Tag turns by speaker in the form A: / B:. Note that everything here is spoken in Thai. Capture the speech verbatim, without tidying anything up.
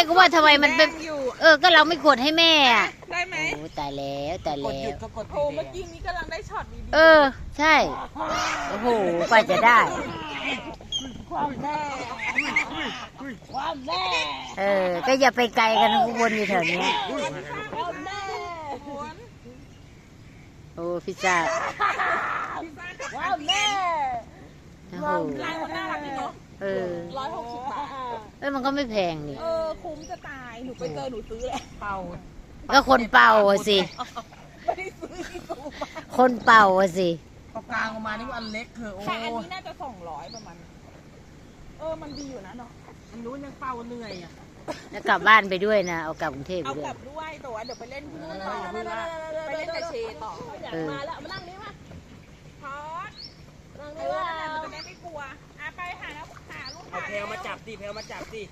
A: ก็ว่าทำไมมันเป็น
B: อยู่
A: เออก็เราไม่กดให้แม่อะ
B: ได้ไหม
A: โอ้ตายแล้วตาย
C: กด
A: แล้
C: หยุ
A: ว
C: ดก็กด
B: โอ้เมื่อกี้นี้กำลังได้ช็อตดี
A: เออ ใช่โอ้โหกว่าจะได้
C: ความแม่ความแม่
A: เออ ก็อย่าไปไกลกันข้างบนอยู่แถวเนี้ย
C: ความแม่
B: ๆม้วน
A: โอ้พิซซ่า
B: พิซซ่ากับ
C: ความแม่
A: โอ้โห
B: ลายมันน่ารักดีเนาะ
A: เออ
B: ร้อยหกสิบบาท
A: เอ้ยมันก็ไม่แพงนี่
B: เออคุ้มจะตายหนูไปเจอหนูซื้อแหละ
C: เป่า
A: ก็คนเป่าอะสิ
B: ไม่ได้ซื้อที่ซูมา
A: คนเป่าอะสิ
C: ปากกลางออกมานี่ว่าอันเล็กเถอะโอ้
B: แต่อันนี้น่าจะสองร้อยประมาณเออมันดีอยู่นะเนาะ
C: อันนู้นยังเป่าเหนื่อยอ่ะ
A: แล้วกลับบ้านไปด้วยนะ เอากลับกรุงเทพไป
B: เอา
A: ด้ว
B: ก
A: ย
B: ลับด้วยแต่ว่าเดี๋ยวไปเล่นที่นู่นต่อ
C: เออ
B: ไปเล่นกับเชต่อ
A: เออ
B: มาแล้วมานั่งนี่มาพอดเออนั่นแหละมันจะได้ไม่กลัวอ่ะไปหาแล้วหาลูก
C: เอา
B: ค้า
C: เพลมาจับดิเพลมาจับดิ